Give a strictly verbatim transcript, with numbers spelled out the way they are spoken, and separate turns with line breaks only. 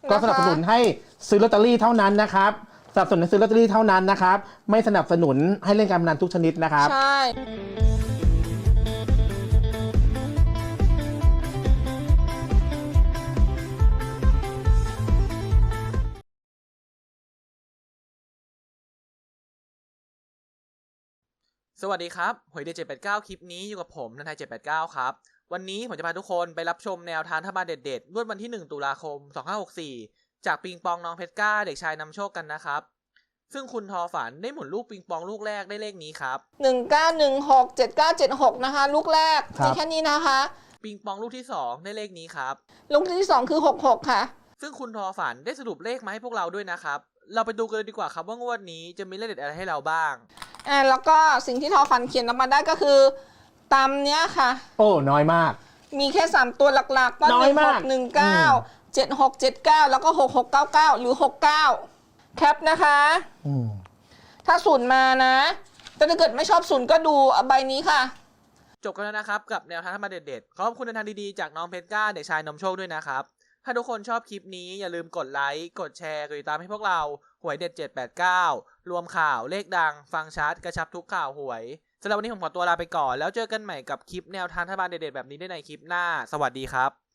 ก็สนับสนุนให้ซื้อลอตเตอรี่เท่านั้นนะครับสนับสนุนให้ซื้อลอตเตอรี่เท่านั้นนะครับไม่สนับสนุนให้เล่นการพนันทุกชนิดนะครับ
ใช่
สวัสดีครับหวยเด็ดเจ็ดแปดเก้าคลิปนี้อยู่กับผมนันทายเจ็ดแปดเก้าครับวันนี้ผมจะพาทุกคนไปรับชมแนวทางรัฐบาลเด็ดๆงวดวันที่หนึ่งตุลาคมสองพันห้าร้อยหกสิบสี่จากปิงปองน้องเพชรก้าเด็กชายนำโชคกันนะครับซึ่งคุณทอฝันได้หมุนลูกปิงปองลูกแรกได้เลขนี้ครับ
หนึ่งเก้าหนึ่งหกเจ็ดเก้าเจ็ดหกนะคะลูกแรกมีแค่นี้นะคะ
ปิงปองลูกที่สองได้เลขนี้ครับ
ลูกที่สองคือหกหกค่ะ
ซึ่งคุณทอฝันได้สรุปเลขมาให้พวกเราด้วยนะครับเราไปดูกันเลยดีกว่าครับว่างวดนี้จะมีเลขเด็ดอะไรให้เราบ้าง
อ่าแล้วก็สิ่งที่ทอฝันเขียนออกมาได้ก็คือตามเนี้ยค่ะ
โอ้น้อยมาก
มีแค่สามตัวหลักๆก็หนึ่งหกหนึ่งเก้าเจ็ดหกเจ็ดเก้าแล้วก็หกหกเก้าเก้าหรือหกเก้าแคปนะคะ
อืม
ถ้าศูนย์มานะแต่ถ้าเกิดไม่ชอบศูนย์ก็ดูใบนี้ค่ะ
จบกันแล้วนะครับกับแนวทางธรรมะเด็ดๆขอบคุณแนวทางดีๆจากน้องเพชรก้าเด็กชายนำโชคด้วยนะครับถ้าทุกคนชอบคลิปนี้อย่าลืมกดไลค์กดแชร์กดติดตามให้พวกเราหวยเด็ดเจ็ดแปดเก้ารวมข่าวเลขดังฟังชัดกระชับทุกข่าวหวยสำหรับวันนี้ผมขอตัวลาไปก่อนแล้วเจอกันใหม่กับคลิปแนวทางรัฐบาลเด็ดๆแบบนี้ได้ในคลิปหน้าสวัสดีครับ